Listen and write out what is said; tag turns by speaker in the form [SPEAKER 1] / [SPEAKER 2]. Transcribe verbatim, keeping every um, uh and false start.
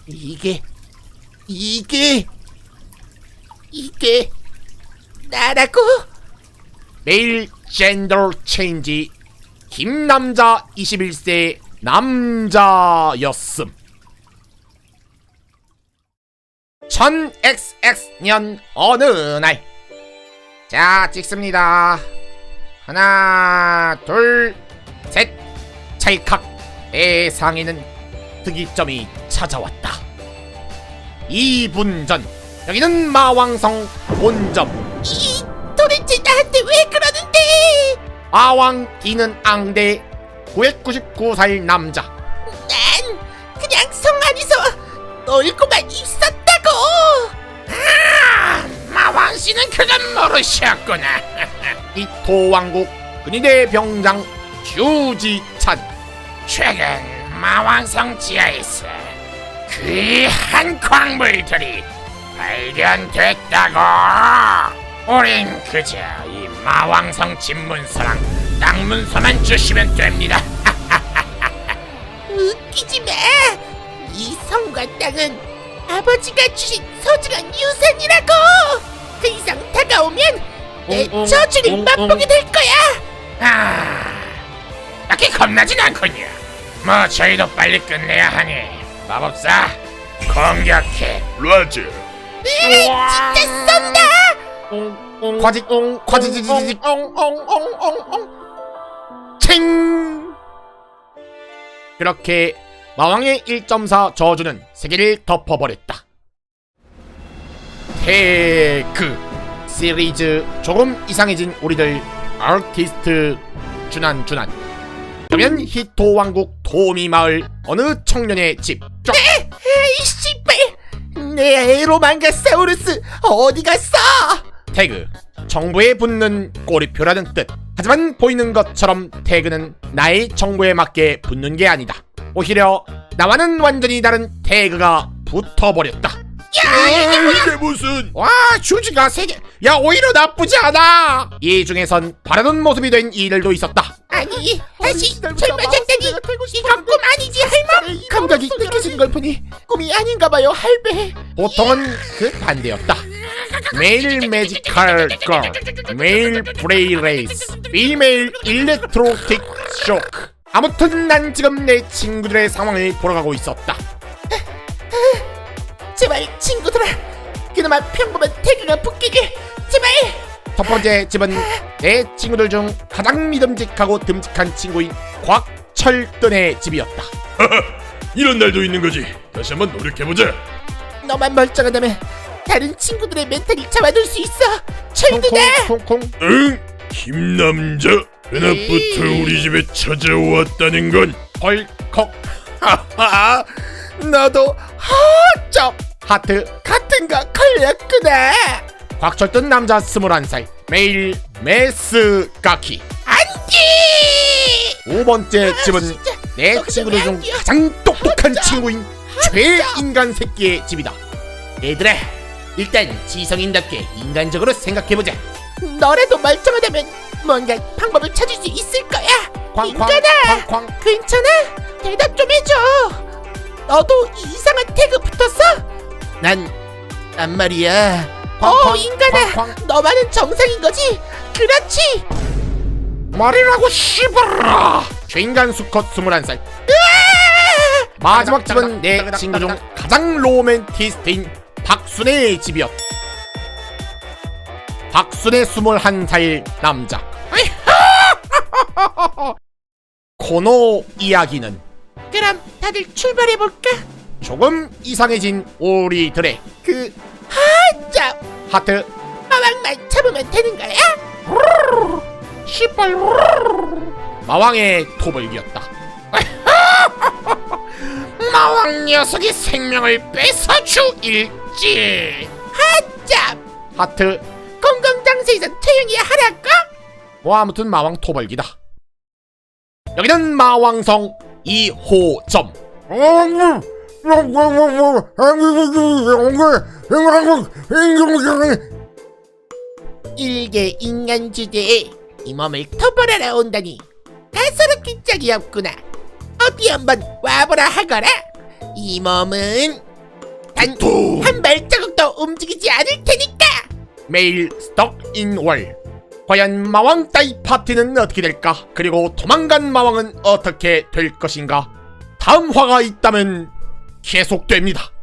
[SPEAKER 1] 이게 이게 이게 나라고? 매일 젠더 체인지 김남자 이십일 세 남자였음. 천엑스엑스년 어느 날. 자, 찍습니다. 하나 둘 셋. 찰칵. 세상에는 특이점이 찾아왔다. 이 분 전 여기는 마왕성 본점.
[SPEAKER 2] 이 도대체 나한테 왜 그러는데?
[SPEAKER 1] 마왕 D는 앙대 구백구십구 살 남자.
[SPEAKER 2] 난 그냥 성 안에서 놀고만 있었다고.
[SPEAKER 1] 아, 마왕씨는 그건 모르셨구나. 이 도왕국 근위대 병장 주지찬. 최근 마왕성 지하에서 귀한 광물들이 발견됐다고. 우린 그저 이 마왕성 집문서랑 땅문서만 주시면 됩니다.
[SPEAKER 2] 웃기지 마. 이 성과 땅은 아버지가 주신 소중한 유산이라고. 그 이상 다가오면 내
[SPEAKER 1] 웅, 웅,
[SPEAKER 2] 저주를
[SPEAKER 1] 웅,
[SPEAKER 2] 맛보게
[SPEAKER 1] 웅.
[SPEAKER 2] 될 거야.
[SPEAKER 1] 아, 딱히 겁나진 않군요. 뭐 저희도 빨리 끝내야 하니 마법사 공격해.
[SPEAKER 3] 라즈.
[SPEAKER 2] 으아, 진짜 쏜다.
[SPEAKER 1] 과지 과지지지지 엉엉엉엉엉 챙. 그렇게 마왕의 일 점 사 저주는 세계를 덮어버렸다. 태그 시리즈 조금 이상해진 우리들 아티스트 준한 준한. 그러면 히토 왕국 도미 마을 어느 청년의 집. 쫙.
[SPEAKER 2] 에이 씨발. 내 에로망가사우루스 어디 갔어?
[SPEAKER 1] 태그 정부에 붙는 꼬리표라는 뜻. 하지만 보이는 것처럼 태그는 나의 정부에 맞게 붙는 게 아니다. 오히려 나와는 완전히 다른 태그가 붙어버렸다.
[SPEAKER 2] 야,
[SPEAKER 3] 이게 무슨?
[SPEAKER 1] 와, 휴지가 세 개. 야, 오히려 나쁘지 않아. 이 중에선 바라던 모습이 된 이들도 있었다.
[SPEAKER 2] 아니 다시 젊어졌다니. 이건 꿈 아니지 할멈? 감각이 느껴지는 걸 보니 꿈이 아닌가 봐요 할배.
[SPEAKER 1] 보통은 그 반대였다. 메일 매지컬 걸, 메일 브레이 레이스, 피메일 일렉트로틱 쇼크. 아무튼 난 지금 내 친구들의 상황을 보러 가고 있었다.
[SPEAKER 2] 제발 친구들아, 그나마 평범한 태그가 붙기게 제발.
[SPEAKER 1] 첫 번째 집은 내 친구들 중 가장 믿음직하고 듬직한 친구인 곽철든의 집이었다.
[SPEAKER 3] 이런 날도 있는 거지. 다시 한번 노력해보자.
[SPEAKER 2] 너만 멀쩡하다면 다른 친구들의 멘탈을 잡아둘 수 있어. 철드다.
[SPEAKER 1] 콩콩콩콩.
[SPEAKER 3] 응? 김남자. 그날부터 우리 집에 찾아왔다는 건
[SPEAKER 1] 헐컥. 하하. 너도 허점 하트
[SPEAKER 2] 같은 거 걸렸구나.
[SPEAKER 1] 곽철든 남자 스물한 살 매일 메스 가키.
[SPEAKER 2] 안돼.
[SPEAKER 1] 두 번째 집은
[SPEAKER 2] 진짜.
[SPEAKER 1] 내
[SPEAKER 2] 여기서
[SPEAKER 1] 친구들
[SPEAKER 2] 왜
[SPEAKER 1] 중
[SPEAKER 2] 안 뛰어?
[SPEAKER 1] 가장 똑똑한
[SPEAKER 2] 하자.
[SPEAKER 1] 친구인 최인간 새끼의 집이다. 얘들아, 일단 지성인답게 인간적으로 생각해보자.
[SPEAKER 2] 너라도 멀쩡하다면 뭔가 방법을 찾을 수 있을 거야.
[SPEAKER 1] 쾅쾅
[SPEAKER 2] 인간아,
[SPEAKER 1] 쾅쾅.
[SPEAKER 2] 괜찮아? 대답 좀 해줘. 너도 이상한 태그 붙었어?
[SPEAKER 1] 난, 난 말이야.
[SPEAKER 2] 어, 인간아,
[SPEAKER 1] 쾅쾅.
[SPEAKER 2] 너만은 정상인 거지? 그렇지.
[SPEAKER 1] 말이라고 씨발라. 최인간 수컷 스물한 살. 마지막 집은 내 친구 중 가장 로맨티스트인 박순애의 집이었다. 박순애 스물한 살 남자. 코노 이야기는
[SPEAKER 2] 그럼 다들 출발해볼까?
[SPEAKER 1] 조금 이상해진 우리들의
[SPEAKER 2] 그 하자
[SPEAKER 1] 하트
[SPEAKER 2] 마왕만 잡으면 되는 거야?
[SPEAKER 1] 시뻘 마왕의 토벌기였다. 마왕 녀석이 생명을 뺏어주일지.
[SPEAKER 2] 하자
[SPEAKER 1] 하트.
[SPEAKER 2] 공공장소에서 조용히 하라고?
[SPEAKER 1] 뭐 아무튼 마왕 토벌기다. 여기는 마왕성 이 호점.
[SPEAKER 2] 일개 인간 주제에 이 몸을 토벌하러 온다니 가소롭긴 짝이 없구나. 어디 한번 와보라 하거라. 이 몸은 단
[SPEAKER 3] 통.
[SPEAKER 2] 한 발자국도 움직이지 않을 테니까.
[SPEAKER 1] 매일 스톡 인 월. 과연 마왕 따위 파티는 어떻게 될까? 그리고 도망간 마왕은 어떻게 될 것인가? 다음 화가 있다면 계속됩니다.